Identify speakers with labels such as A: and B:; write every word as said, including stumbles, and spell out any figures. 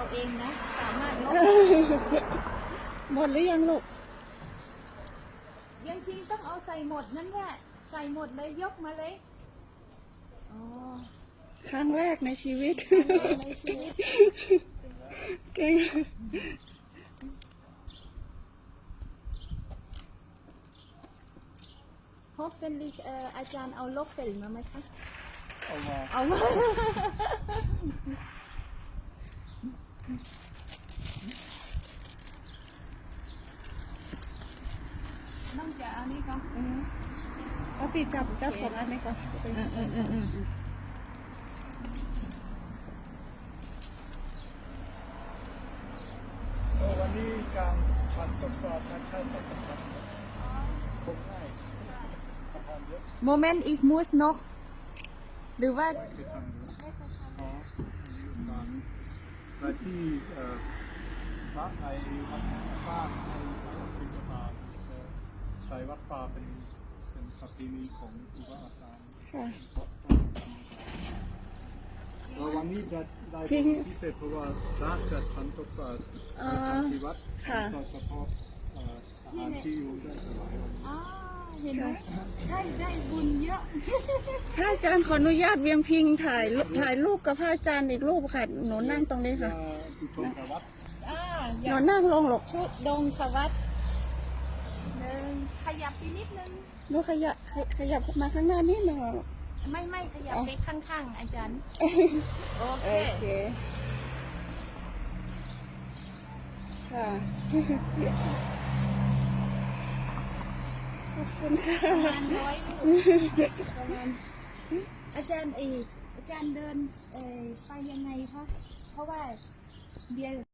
A: เอาเองนะสามารถลบ
B: หมดหรือยังลูก
A: ยังจริงต้องเอาใส่หมดนั่นแหละใส่หมดเลยยกมาเลยอ๋อ
B: ครั้งแรกในชีวิต
A: ในชีวิต
B: เก่ง
A: ฮอฟเฟนลิเอ่ออาจารย์เอาลบเฟลมาไหมคะ
C: เอามา
A: เอามาต้องจะเอานี่ก่อน
B: เอาพี่จับจับสองอันนี้ก่อน
C: วันนี้การฉันตกปลาการใช้ตกปลาคงง่ายทำเยอะ
A: โมเมนต์อีกมูสนกหรือว่า
C: ไม่เคยทำเยอะอ๋อการและที่พระในวัดสร้างในวัดปิณฑบาตใช้วัดป่าเป็นเป็นประเพณีของครูบาอาจารย์
B: ค่ะ
C: แล้ววันนี้จะได้
B: พี่
C: พิเศษเพราะว่าพระจะทำตกปลา
B: อ๋อ
C: ที่วัด
B: ค่ะ
C: โดยเฉพาะเอ่ออาหารที่อยู่ได้ถวายวันนี้
A: อ๋อเห็นไหมได้ได้บุญเยอะ
B: พระอาจารย์ขออนุญาตเวียงพิงถ่ายรูปถ่ายรูปกับพระอาจารย์อีกรูปค่ะหนูนั่งตรงนี้ค่ะ
C: ที่ชมกับวัด
A: อ่าอ
B: ห
A: ยา
B: นู
A: ก
B: นั่งลงหรอก
A: พูดดงสวัสดิ์หนึ่งขยับไปนิดนึง
B: หนูขยับขยขยับมาข้างหน้านิดหนึงอะ
A: ไม่ไม่ขยับไปข้างๆอาจารย์ โอเค
B: โอเคค่ะ ขอบคุณค่ะ
A: ประมาณร้อยลูกประมาณอาจารย์เอกอาจารย์เดินเออไปยังไงคะเพราะว่าเบียร์